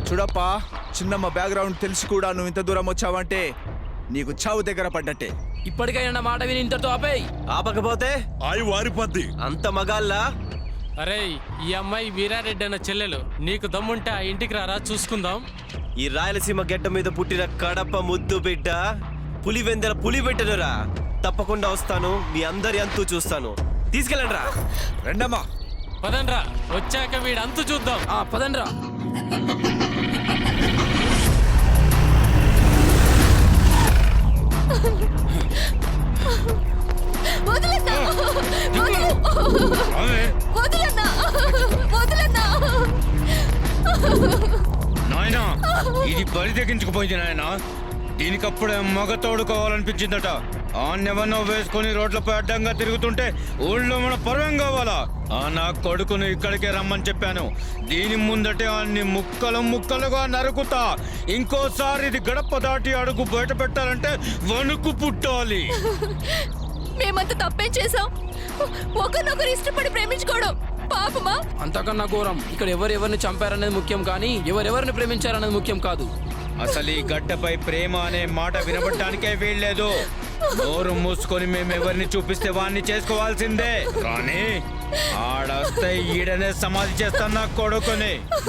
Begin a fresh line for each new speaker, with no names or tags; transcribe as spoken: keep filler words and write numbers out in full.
చూడప్పా, చిన్నమ్మ బ్యాక్గ్రౌండ్ తెలిసి కూడా నువ్వు ఇంత దూరం వచ్చావంటే నీకు చావు దగ్గర పడ్డట్టే.
ఇప్పటికైనా మాట విని ఇంతటితో ఆపేయ్.
ఆపకపోతే
ఆయి వారిపోద్ది.
అంత మగాళ్ళా?
అరే, ఈ అమ్మాయి వీరారెడ్డి అన్న చెల్లెలు. నీకు దమ్ముంటే ఆ ఇంటికి రారా, చూసుకుందాం.
ఈ రాయలసీమ గడ్డ మీద పుట్టిన కడప ముద్దు బిడ్డ పులివెందల పులి పెట్టనురా. తప్పకుండా వస్తాను, మీ అందరి అంతు చూస్తాను. తీసుకెళ్ళండి రా.
రెండమ్మా.
పదండ్రా, వచ్చాక వీడు అంతు చూద్దాం.
ఆ పదండ్రా.
వదలన్నా, వదలన్నా, వదలన్నా.
నాయనా, ఇది బరి తెగించుకుపోయింది నాయనా. దీనికప్పుడే మగ తోడుకోవాలనిపించిందట. ఆన్నెవన్నో వేసుకుని రోడ్లపై అడ్డంగా తిరుగుతుంటే ఊళ్ళో మన పర్వం కావాలా? ఆ నా కొడుకును ఇక్కడికే రమ్మని చెప్పాను. దీని ముందటే అన్ని ముక్కలు ముక్కలుగా నరుకుతా. ఇంకోసారి ఇది గడప దాటి అడుగు బయట పెట్టాలంటే వణుకు పుట్టాలి.
మేమంత తప్పేం చేసాం? ఒకరినొకరు ఇష్టపడి ప్రేమించుకోవడం పాపమా?
అంతకన్నా ఘోరం. ఇక్కడ ఎవరెవరిని చంపారనేది ముఖ్యం కానీ ఎవరెవరిని ప్రేమించారనేది ముఖ్యం కాదు.
అసలు ఈ గడ్డపై ప్రేమ అనే మాట వినబడటానికే వీల్లేదు. నోరు మూసుకొని మేమెవరిని చూపిస్తే వాడిని చేసుకోవాల్సిందే. కానీ ఆడొస్తే ఈడనే సమాధి చేస్తాను నా కొడుకుని.